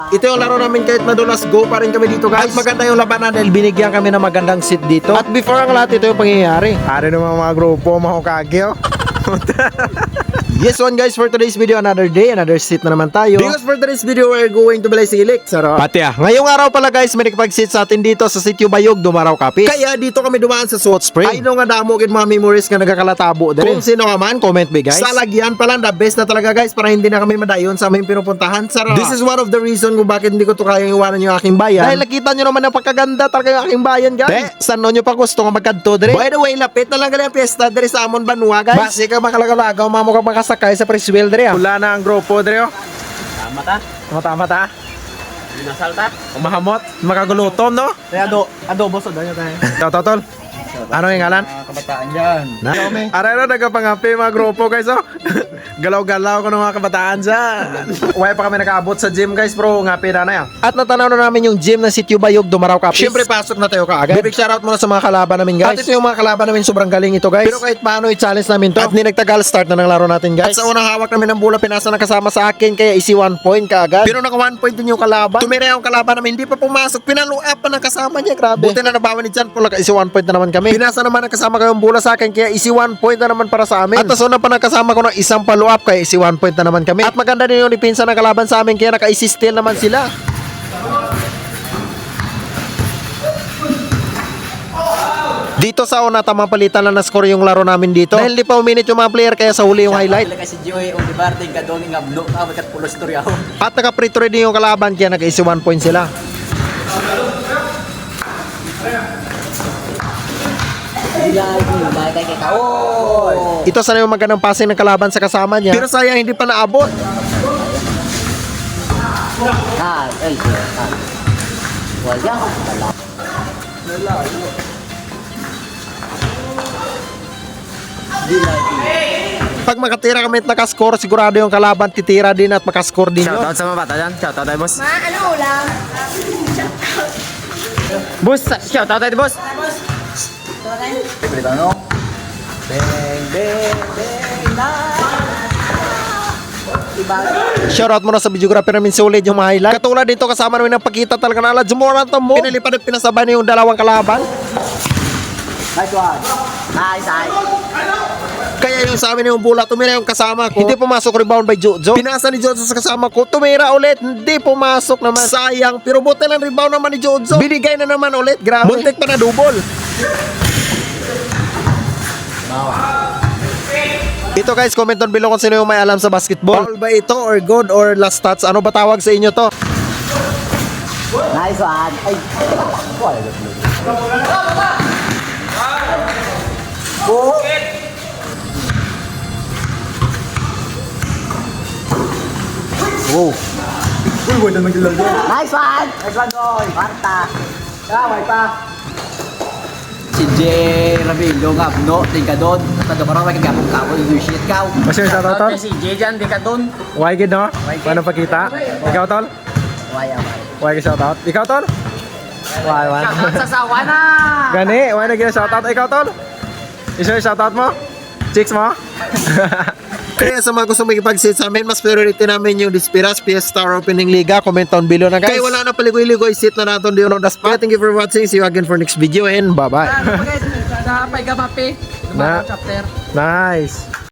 Ito yung laro namin kahit madulas, go pa rin kami dito guys. At maganda yung labanan dahil binigyan kami ng magandang seat dito. At before ang lahat, ito yung pangyayari. Ari naman mga grupo, mga kagyo. Yes one guys, for today's video, another day, another seat na naman tayo. Because for today's video, we're going to Balay Silik. Sarap. Pati ngayong araw pala guys, may nakipag-sit sa atin dito sa Sitio Bayog, Dumaraw Kapis. Kaya dito kami dumaan sa Salt Spring. Ay nga damo kin mga memories nga nagkakalatabo din. Kung sino ka man, comment me guys. Sa lagyan pala, the best na talaga guys, para hindi na kami madayon sa aming pinupuntahan. Sarap. This is one of the reason kung bakit hindi ko to kayang iwanan yung aking bayan. Dahil nakita nyo naman ang pagkaganda talaga yung aking bayan guys. Saan nyo pa gusto nga magkadto dire? By the way, lapit na lang galing ang piyesta dire sa Amon Banua guys. Basi ka makalagalaga, mamukha makasakay sa Preswell dire. Wala na ang grupo dire. Mata. Nasalta? Mahamot, makagulutom no? Kaya adobo sa danyo tayo. Totol. Ano yung ngalan? Kabataan dyan. Aray na nagkapangapi mga grupo guys oh. Galaw-galaw ko ng mga kabataan dyan. Uway pa kami nakaabot sa gym guys bro. Ngapi na yan. At natanaw na namin yung gym ng Sitio Bayog, Dumaraw Kapis. Siyempre pasok na tayo kaagad. Big shoutout muna sa mga kalaban namin guys. At ito yung mga kalaban namin, sobrang galing ito guys. Pero kahit paano i-challenge namin to. At ninagtagal start na ng laro natin guys. At sa unang hawak namin ng bola, pinasa na kasama sa akin. Kaya isi 1 point kaagad. Pero naka 1 point din yung kalaban. Tumira yung kalaban namin, hindi pa pumasok. Pinaluap pa ng kasama niya, grabe. Buti na nabawan ni Jan Paul, isi 1 point na naman kami. Pinasa naman ang kasama ko yung bola sa akin, kaya isi 1 point na naman para sa amin. At nasuna pa ng kasama ko ng isang follow-up, kaya isi 1 point na naman kami. At maganda din yung dipinsa ng kalaban sa amin, kaya naka-isi steal naman sila. Dito sa una, tamang palitan lang na score yung laro namin dito. Dahil di pa uminit yung mga player, kaya sa huli yung highlight. Kasi Joey Olivar din ka doon ng abno ka magkat pulo story ako. At naka-free throw din yung kalaban, kaya naka-isi 1 point sila. Ito sana yung magandang passing ng kalaban sa kasama niya. Pero sayang hindi pa naabot. Pag makatira kami at nakascore, sigurado yung kalaban titira din at makascore din yun. Shoutout sa mga bata dyan. Shoutout tayo boss. Ano ulam? Boss, shoutout tayo boss. Balik ano? Shoutout muna sa videographer namin, solid yung mga highlight. Katulad dito kasama namin ang pagkita talaga na ala Jumora mo. Pinalipad at pinasabay na yung dalawang kalaban. Nice one. Nice. Kaya yung sa amin yung bola, tumira yung kasama ko. Hindi pumasok, rebound by Jojo. Pinasa ni Jojo sa kasama ko, tumira ulit. Hindi pumasok naman. Sayang, pero buti lang rebound naman ni Jojo. Binigay na naman ulit, grabe. Muntik pa na double. Ito guys, comment down below kung sino yung may alam sa basketball. Foul ba ito or good or last touch? Ano ba tawag sa inyo to? Nice one. Ay. Nice one. Nice one boy. Marta. Kaway pa. Si J. Rabillo nga abno, tingka doon. Nagkamarang may kagapong kapo, yung shit kaw. Masya yung shoutout? Si J dyan, di ka doon. Why good no? Paano pakita? Ikaw tol? Waya. Why good shoutout? Ikaw tol? Why? Shoutout sa sawa na. Gani, why na gina shoutout? Ikaw tol? Isa yung shoutout mo? Chicks mo? Kaya sa mga gusto makipag-sit sa amin, mas priority namin yung Dispiras PS Star Opening Liga. Comment down below na guys. Kaya wala na paligoy-ligoy, sit na natin doon on the spot. Thank you for watching. See you again for next video and bye-bye. Pagkamapi. Nice.